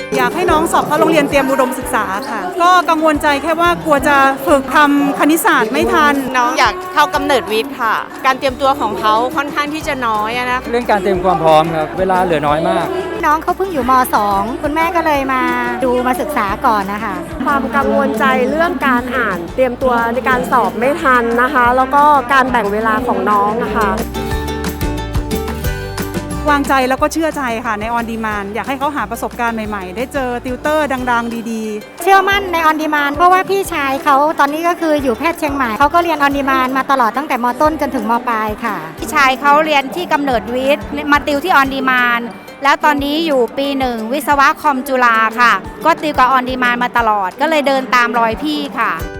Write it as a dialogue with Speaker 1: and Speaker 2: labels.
Speaker 1: อยากให้น้องสอบเข้าโรงเรียนเตรียมอุดมศึกษาค่ะก็กังวลใจแค่ว่ากลัวจะฝึกทำคณิตศาสตร์ไม่ทัน
Speaker 2: น้องอยากเข้ากำเนิดวิทย์ค่ะการเตรียมตัวของเขาค่อนข้างที่จะน้อยนะ
Speaker 3: เรื่องการเตรียมความพร้อมครับเวลาเหลือน้อยมาก
Speaker 4: น้องเขาเพิ่งอยู่ม.2 คุณแม่ก็เลยมาดูมาศึกษาก่อนนะคะ
Speaker 5: ความกังวลใจเรื่องการอ่านเตรียมตัวในการสอบไม่ทันนะคะแล้วก็การแบ่งเวลาของน้องนะคะ
Speaker 1: วางใจแล้วก็เชื่อใจค่ะในออนดีมานอยากให้เขาหาประสบการณ์ใหม่ๆได้เจอติวเตอร์ดังๆดี
Speaker 4: ๆเชื่อมั่นในออนดีมานเพราะว่าพี่ชายเขาตอนนี้ก็คืออยู่แพทย์เชียงใหม่เขาก็เรียนออนดีมานมาตลอดตั้งแต่ม.ต้นจนถึงม.ปลายค่ะ
Speaker 6: พี่ชายเขาเรียนที่กำเนิดวิทย์มาติวที่ออนดีมานแล้วตอนนี้อยู่ปี 1วิศวะคอมจุฬาค่ะก็ติวกับออนดีมานมาตลอดก็เลยเดินตามรอยพี่ค่ะ